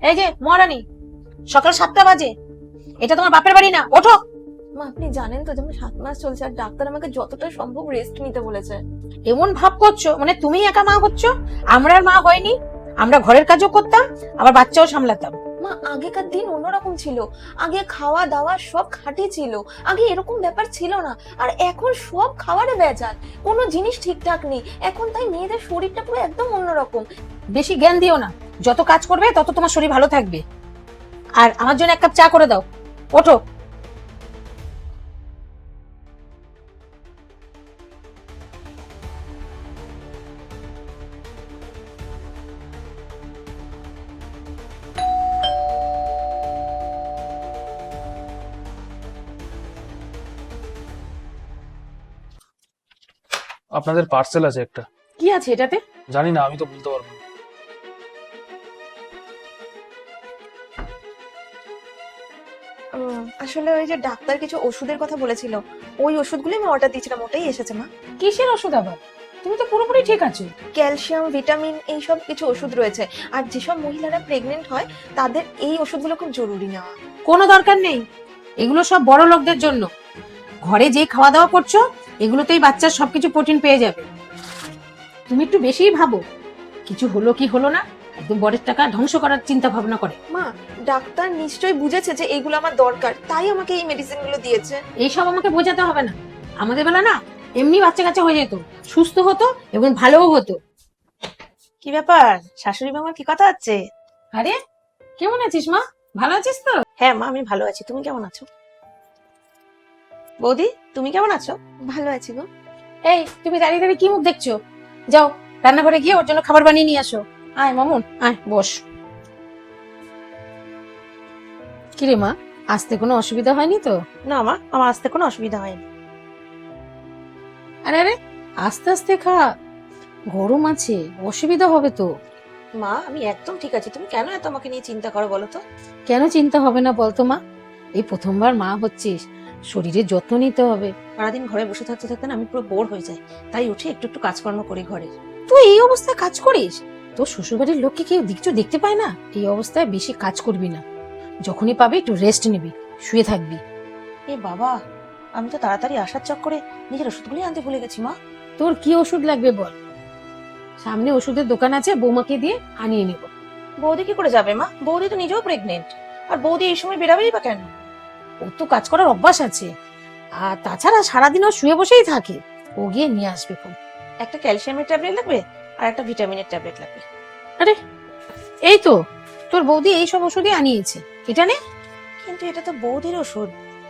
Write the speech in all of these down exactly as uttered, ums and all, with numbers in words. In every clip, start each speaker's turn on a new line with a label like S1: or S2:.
S1: এই যে মহারানী, সকাল সাতটা বাজে, এটা তোমার বাপের বাড়ি না, ওঠো।
S2: মা আপনি জানেন তো যে আমার সাত মাস চলছে আর ডাক্তার আমাকে যতটা সম্ভব রেস্ট নিতে বলেছে।
S1: এমন ভাব করছো মানে তুমি একা মা হচ্ছ, আমরা আর মা হয়নি। আমরা ঘরের কাজও করতাম, আবার বাচ্চাও সামলাতাম।
S2: মা আগেকার দিন অন্যরকম ছিল, আগে খাওয়া দাওয়া সব খাঁটি ছিল, আগে এরকম ব্যাপার ছিল না। আর এখন সব খাবারে ভেজাল, কোনো জিনিস ঠিকঠাক নেই এখন, তাই মেয়েদের শরীরটা পুরো একদম অন্যরকম।
S1: বেশি জ্ঞান দিও না, যত কাজ করবে তত তোমার শরীর ভালো থাকবে। আর আমার জন্য এক কাপ চা করে দাও, ওঠো।
S3: আপনাদের পার্সেল আছে একটা।
S1: কি আছে এটাতে?
S3: জানি না, আমি তো বলতে পারবো না।
S2: উম, আসলে ওই যে ডাক্তার কিছু ওষুধের কথা বলেছিল, ওই ওষুধগুলো আমি অর্ডার দিয়েছিলাম, ওটাই এসেছে মা।
S1: কিসের ওষুধ আবার? তুমি তো পুরোপুরি ঠিক আছো।
S2: ক্যালসিয়াম ভিটামিন এইসব কিছু ওষুধ রয়েছে, আর যেসব মহিলারা প্রেগনেন্ট হয় তাদের এই ওষুধগুলো খুব জরুরি নেওয়া।
S1: কোনো দরকার নেই, এগুলো সব বড় লোকদের জন্য। ঘরে যে খাওয়া দাওয়া করছো এগুলোতেই বাচ্চার সবকিছু প্রোটিন পেয়ে যাবে। তুমি একটু বেশিই ভাবো, কিছু হলো কি হলো না, একদম বরের টাকা ধ্বংস করার চিন্তা ভাবনা করে।
S2: মা ডাক্তার নিশ্চয়ই বুঝেছে যে এইগুলো আমার দরকার, তাই আমাকে এই মেডিসিন গুলো দিয়েছে।
S1: এইসব আমাকে বোঝাতে হবে না, আমাদের বেলা না এমনি বাচ্চা কাচ্চা হয়ে যেত, সুস্থ হতো এবং ভালোও হতো।
S2: কি ব্যাপার, শাশুড়ি মামার কি কথা হচ্ছে?
S1: আরে কেমন আছিস মা? ভালো আছিস তো?
S2: হ্যাঁ মা আমি ভালো আছি, তুমি কেমন আছো? বৌদি তুমি কেমন আছো? ভালো আছি গো।
S1: এই তুমি দাঁড়িয়ে দাঁড়িয়ে কি মুখ দেখছো? যাও রান্নাঘরে গিয়ে ওর জন্য খাবার বানিয়ে নিয়ে আসো। আয় মামুন, আয় বস। কিরে মা, আসতে কোনো অসুবিধা হয়নি তো?
S2: না মা, আমার আসতে কোনো অসুবিধা হয়নি।
S1: আরে আরে আস্তে আস্তে খা, গরম আছে, অসুবিধা হবে তো।
S2: মা আমি একদম ঠিক আছি, তুমি কেন এত আমাকে নিয়ে চিন্তা করো বলো তো?
S1: কেন চিন্তা হবে না বলতো মা? এই প্রথমবার মা হচ্ছিস, শরীরের যত্ন নিতে হবে।
S2: সারাদিন ঘরে বসে থাকতে থাকতে না আমি পুরো বোর হয়ে যাই, তাই উঠে একটু একটু কাজকর্ম করি ঘরে।
S1: তুই এই অবস্থায় কাজ করিস? তোর শ্বশুরবাড়ির লোককে কেউ দিকচো দেখতে পায় না? এই অবস্থায় বেশি কাজ করবি না, যখনই পাবি একটু রেস্ট নিবি, শুয়ে থাকবি।
S2: এ বাবা, আমি তো তাড়াতাড়ি আসার চক্করে নিজের ওষুধগুলি আনতে ভুলে গেছি মা।
S1: তোর কি ওষুধ লাগবে বল, সামনে ওষুধের দোকান আছে, বৌমাকে দিয়ে আনিয়ে নেব।
S2: বৌদি কি করে যাবে মা? বৌদি তো নিজেও প্রেগনেন্ট, আর বৌদি এই সময় বেরাবেই বা কেন?
S1: ওর তো কাজ করার অভ্যাস আছে, আর তাছাড়া সারাদিন ও শুয়ে বসেই থাকে, ও গিয়ে নিয়ে আসবে ফোন।
S2: একটা ক্যালসিয়ামের ট্যাবলেট লাগবে আর একটা ভিটামিনের ট্যাবলেট লাগবে।
S1: আরে এই তো তোর বৌদি এই সব ওষুধই আনিয়েছে, এটা নে।
S2: কিন্তু এটা তো বৌদির ওষুধ,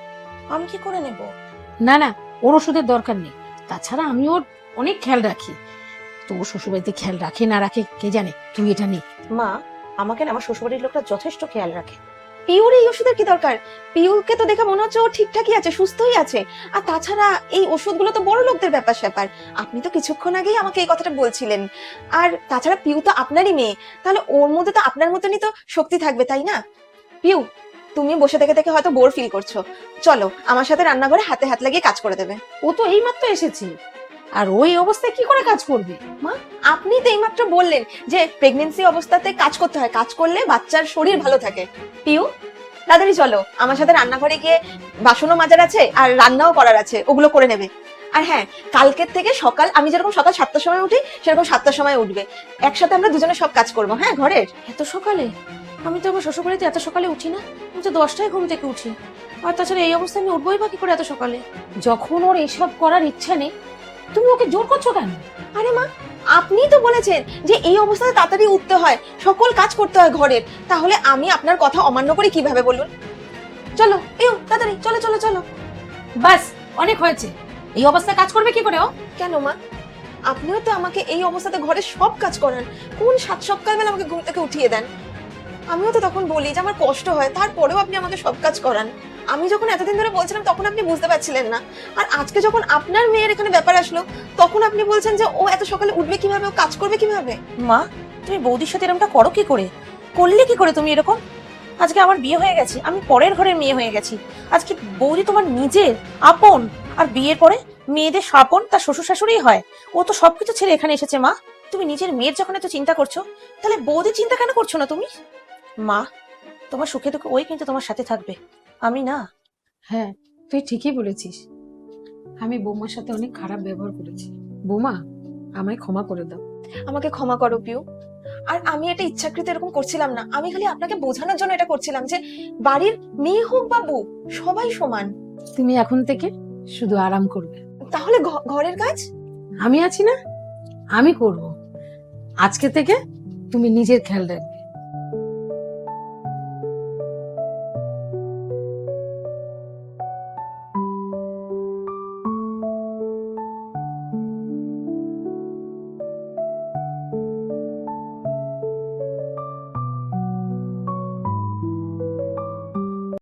S2: আমি কি করে নেব?
S1: না না, ওর ওষুধের দরকার নেই, তাছাড়া আমি ওর অনেক খেয়াল রাখি। তো ও শ্বশুরবাড়িতে খেয়াল রাখে না রাখে কে জানে, তুই এটা নে।
S2: মা আমাকে না আমার শ্বশুরবাড়ির লোকরা যথেষ্ট খেয়াল রাখে। পিউর এই ওষুধের কি দরকার? পিউকে তো দেখে মনে হচ্ছে ও ঠিকঠাকই আছে, সুস্থই আছে। আর তাছাড়া এই ওষুধগুলো তো বড় লোকদের ব্যাপার স্যাপার, আপনি তো কিছুক্ষণ আগেই আমাকে এই কথাটা বলছিলেন। আর তাছাড়া পিউ তো আপনারই মেয়ে, তাহলে ওর মধ্যে তো আপনার মতনই তো শক্তি থাকবে তাই না? পিউ তুমি বসে থেকে থেকে হয়তো বোর ফিল করছো, চলো আমার সাথে রান্নাঘরে হাতে হাত লাগিয়ে কাজ করে দেবে।
S1: ও তো এইমাত্র এসেছে, আর ওই অবস্থায় কি করে কাজ করবে?
S2: মা আপনি তো এইমাত্র বললেন যে প্রেগনেন্সি অবস্থাতে কাজ করতে হয়, কাজ করলে বাচ্চার শরীর ভালো থাকে। পিউ তাড়াতাড়ি চলো আমার সাথে রান্নাঘরে গিয়ে, বাসনও মাজার আছে আর রান্নাও করার আছে, ওগুলো করে নেবে। আর হ্যাঁ, কালকের থেকে সকাল আমি যেরকম সকাল সাতটার সময় উঠি সেরকম সাতটার সময় উঠবে, একসাথে আমরা দুজনে সব কাজ করবো। হ্যাঁ ঘরের।
S1: এত সকালে? আমি তো আমার শ্বশুরবাড়িতে এত সকালে উঠি না, আমি তো দশটায় ঘুম থেকে উঠি। আর তাছাড়া এই অবস্থায় আমি উঠবোই বা কি করে এত সকালে? যখন ওর এসব করার ইচ্ছা নেই, তুমি ওকে জোর করছো কেন?
S2: আরে মা আপনিই তো বলেছেন যে এই অবস্থাতে তাড়াতাড়ি উঠতে হয়, সকল কাজ করতে হয় ঘরের, তাহলে আমি আপনার কথা অমান্য করি কিভাবে বলুন? চলো পিউ তাড়াতাড়ি চলো চলো চলো।
S1: বাস অনেক হয়েছে, এই অবস্থায় কাজ করবে কি করে ও?
S2: কেন মা, আপনিও তো আমাকে এই অবস্থাতে ঘরের সব কাজ করান, কোন সাত সকালবেলা আমাকে ঘুম থেকে উঠিয়ে দেন। আমিও তো তখন বলি যে আমার কষ্ট হয়, তারপরেও আপনি আমাকে সব কাজ করান। আমি যখন এতদিন ধরে বলছিলাম তখন আপনি বুঝতে পারছিলেন না, আর আজকে যখন আপনার মেয়ের এখানে ব্যাপার আসলো তখন আপনি বলছেন যে ও এত সকালে উঠবে কিভাবে, ও কাজ করবে কিভাবে। মা তুমি বৌদির সাথে এরকমটা করো কি করে, করলে কি করে তুমি এরকম? আজকে আমার বিয়ে হয়ে গেছে, আমি পরের ঘরের মেয়ে হয়ে গেছি, আজকে বৌদি তোমার নিজের আপন, আর বিয়ের পরে মেয়েদের স্বপন তার শ্বশুর শাশুড়ি হয়। ও তো সবকিছু ছেড়ে এখানে এসেছে। মা তুমি নিজের মেয়ের যখন এত চিন্তা করছো, তাহলে বৌদির চিন্তা কেন করছো না তুমি?
S4: মা, তোমার সুখে দুঃখে ওই কিন্তু তোমার সাথে থাকবে, আমি না।
S1: হ্যাঁ, তুই ঠিকই বলেছিস। আমি বৌমার সাথে অনেক খারাপ ব্যবহার করেছি। বৌমা, আমায় ক্ষমা করে দাও।
S2: আমাকে ক্ষমা করো পিউ। আর আমি এটা ইচ্ছাকৃত এরকম করছিলাম না, আমি খালি আপনাকে বোঝানোর জন্য এটা করছিলাম যে বাড়ির মেয়ে হোক বা বউ, সবাই সমান।
S1: তুমি এখন থেকে শুধু আরাম করবে।
S2: তাহলে ঘ- ঘরের কাজ
S1: আমি আছি না, আমি করব। আজকে থেকে তুমি নিজের খেয়াল রাখবে।